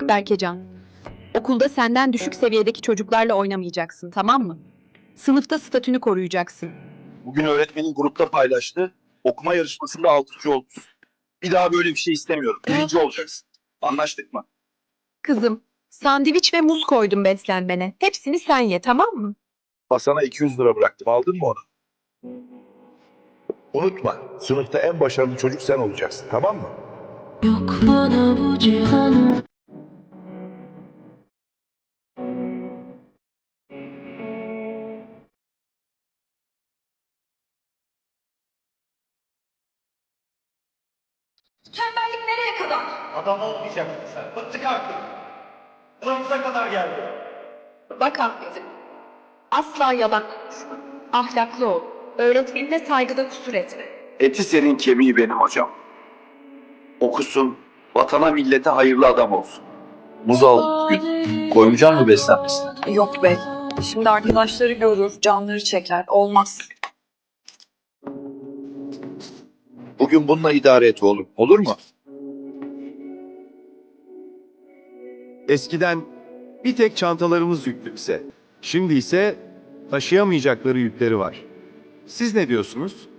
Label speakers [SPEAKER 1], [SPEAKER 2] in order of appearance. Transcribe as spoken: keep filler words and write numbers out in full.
[SPEAKER 1] Bak Berkecan, okulda senden düşük seviyedeki çocuklarla oynamayacaksın, tamam mı? Sınıfta statünü koruyacaksın.
[SPEAKER 2] Bugün öğretmenin grupta paylaştı. Okuma yarışmasında altıncı oldun. Bir daha böyle bir şey istemiyorum. Birinci olacaksın. Anlaştık mı?
[SPEAKER 1] Kızım, sandviç ve muz koydum beslenmene. Hepsini sen ye, tamam mı?
[SPEAKER 2] Masana iki yüz lira bıraktım. Aldın mı onu? Unutma. Sınıfta en başarılı çocuk sen olacaksın. Tamam mı?
[SPEAKER 3] Yok bana bu cihan.
[SPEAKER 1] Tembellik nereye kadar?
[SPEAKER 4] Adam olmayacaksın sen. Bıktık artık. Buramıza kadar geldi.
[SPEAKER 1] Bak Ahmet'im, asla yalan konuşma. Ahlaklı ol. Öğretmenine saygıda kusur etme.
[SPEAKER 2] Eti senin kemiği benim hocam. Okusun, vatana millete hayırlı adam olsun. Muz aldım bugün. Koymayacak mı beslenmesine?
[SPEAKER 5] Yok bey. Şimdi arkadaşları görür, canları çeker. Olmaz.
[SPEAKER 2] Bugün bununla idare et oğlum. Olur mu?
[SPEAKER 6] Eskiden bir tek çantalarımız yüklükse, şimdi ise taşıyamayacakları yükleri var. Siz ne diyorsunuz?